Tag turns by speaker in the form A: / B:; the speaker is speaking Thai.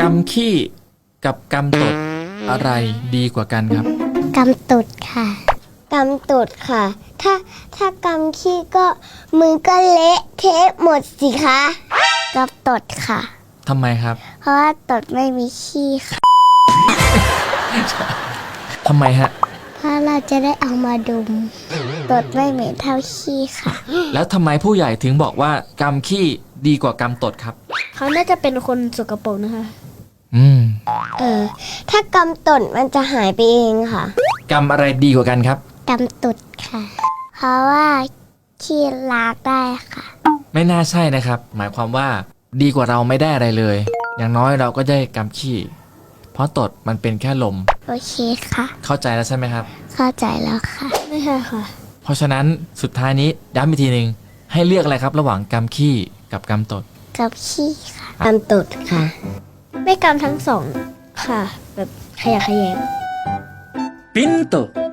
A: ำขี้กับกำตดอะไรดีกว่ากันครับ
B: กำตุดค่ะกำตุดค่ะ ถ้ากำขี้ก็มือก็เละเทะหมดสิคะกำตดค่ะ
A: ทำไมครับ
B: เพราะว่าตดไม่มีขี้ค่ะ
A: ทำไมฮะ
B: เพราะเราจะได้เอามาดมตดไม่เหม็นเท่าขี้ค่ะ
A: แล้วทำไมผู้ใหญ่ถึงบอกว่ากำขี้ดีกว่ากำตดครับ
C: เขาน่าจะเป็นคนสกปรกนะคะ
A: อืม
B: ถ้ากำตดมันจะหายไปเองค่ะ
A: กำอะไรดีกว่ากันครับ
B: กำตุดค่ะ เพราะว่าขี้ล้างได้ค่ะ
A: ไม่น่าใช่นะครับ หมายความว่าดีกว่าเราไม่ได้อะไรเลย อย่างน้อยเราก็ได้กำขี้ เพราะตดมันเป็นแค่ลม
B: โอเคค่ะ
A: เข้าใจแล้วใช่ไหมครับ
B: เข้าใจแล้วค่ะ
C: ไม่ใช่ค่ะ
A: เพราะฉะนั้นสุดท้ายนี้ย้ำอีกทีหนึ่งให้เลือกอะไรครับ ระหว่างกำขี้กับกำตด
B: กับขี้ค่ะกำตุดค่ะ
C: ไม่กำทั้งสองค่ะ แบบขยะแขยง
A: Pinto